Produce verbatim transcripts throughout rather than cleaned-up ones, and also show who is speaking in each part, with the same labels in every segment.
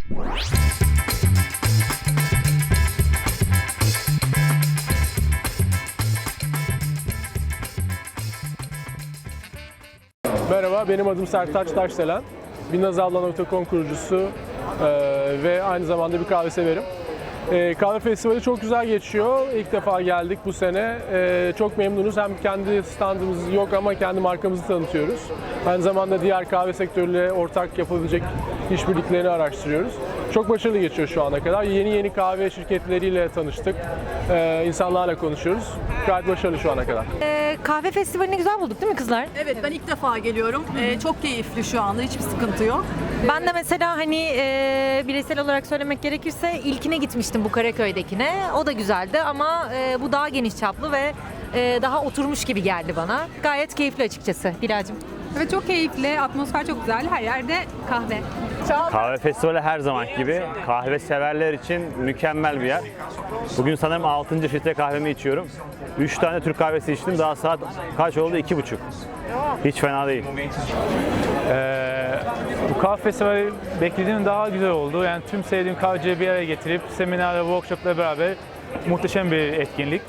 Speaker 1: Merhaba, benim adım Sertaç Taşdelen. Binnazavlan nokta com kurucusu e, ve aynı zamanda bir kahve severim. E, kahve festivali çok güzel geçiyor. İlk defa geldik bu sene. E, çok memnunuz. Hem kendi standımız yok ama kendi markamızı tanıtıyoruz. Aynı zamanda diğer kahve sektörüyle ortak yapılabilecek işbirliklerini araştırıyoruz. Çok başarılı geçiyor şu ana kadar. Yeni yeni kahve şirketleriyle tanıştık. E, insanlarla konuşuyoruz. Gayet başarılı şu ana kadar.
Speaker 2: Ee, kahve festivalini güzel bulduk değil mi kızlar?
Speaker 3: Evet, ben ilk defa geliyorum. Ee, çok keyifli şu anda, hiçbir sıkıntı yok.
Speaker 2: Ben de mesela hani e, bireysel olarak söylemek gerekirse ilkine gitmiştim, bu Karaköy'dekine. O da güzeldi ama e, bu daha geniş çaplı ve e, daha oturmuş gibi geldi bana. Gayet keyifli açıkçası Bilal'cim.
Speaker 4: Evet, çok keyifli, atmosfer çok güzel. Her yerde kahve.
Speaker 5: Kahve festivali her zaman gibi kahve severler için mükemmel bir yer. Bugün sanırım altıncı filtre kahvemi içiyorum. üç tane Türk kahvesi içtim. Daha saat kaç oldu? iki buçuk. Hiç fena değil.
Speaker 6: Ee, bu kahve festivali beklediğim daha güzel oldu. Yani tüm sevdiğim kahvecileri bir araya getirip seminer ve workshopla beraber muhteşem bir etkinlik.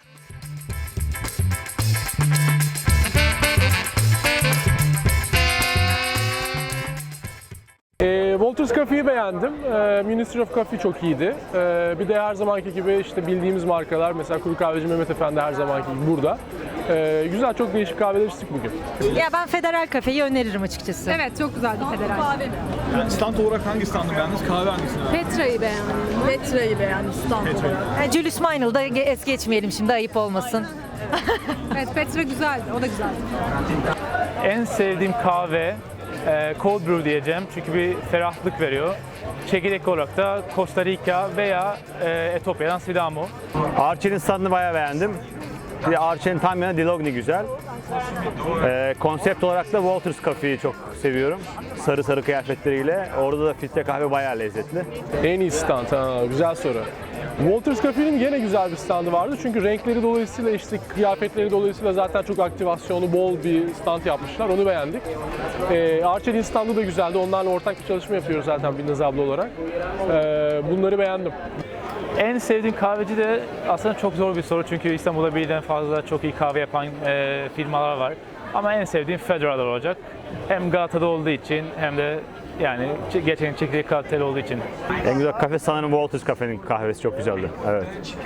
Speaker 1: E, Walters Coffee'yi beğendim. E, Ministry of Coffee çok iyiydi. E, bir de her zamanki gibi işte bildiğimiz markalar, mesela Kuru Kahveci Mehmet Efendi her zamanki gibi burada. E, güzel, çok değişik kahveler içtik bugün.
Speaker 2: Ya ben Federal Kafe'yi öneririm açıkçası.
Speaker 4: Evet, çok güzeldi federal.
Speaker 3: Kahve mi?
Speaker 7: Yani stand olarak hangi standı beğendiniz? Kahve hangisini beğendiniz?
Speaker 4: Petra'yı beğendim.
Speaker 3: Petra'yı beğendim stand olarak.
Speaker 2: Yani Julius Meinl'da es geçmeyelim şimdi, ayıp olmasın.
Speaker 4: Evet, Petra güzeldi, o da güzeldi.
Speaker 6: En sevdiğim kahve e, cold brew diyeceğim çünkü bir ferahlık veriyor. Çekirdek olarak da Costa Rica veya e, Etiyopya'dan Sidamo.
Speaker 5: Arçelik'in standını bayağı beğendim. Bir de Arçelik'in tam yanı Dilogni güzel. Ee, konsept olarak da Walters Coffee'yi çok seviyorum. Sarı sarı kıyafetleriyle. Orada da filtre kahve bayağı lezzetli.
Speaker 1: En iyi stand, ha, güzel soru. Walters Coffee'nin yine güzel bir standı vardı çünkü renkleri dolayısıyla, işte kıyafetleri dolayısıyla zaten çok aktivasyonu bol bir stand yapmışlar, onu beğendik. Ee, Arçelik'in standı da güzeldi, onlarla ortak bir çalışma yapıyoruz zaten Binnaz abla olarak. Ee, bunları beğendim.
Speaker 6: En sevdiğim kahveci de aslında çok zor bir soru çünkü İstanbul'da birden fazla çok iyi kahve yapan e, firmalar var. Ama en sevdiğim Federal olacak. Hem Galata'da olduğu için hem de yani gerçekten çekirdek kaliteli olduğu için.
Speaker 5: En güzel kahve sanırım Walters Cafe'nin kahvesi çok güzeldi. Evet.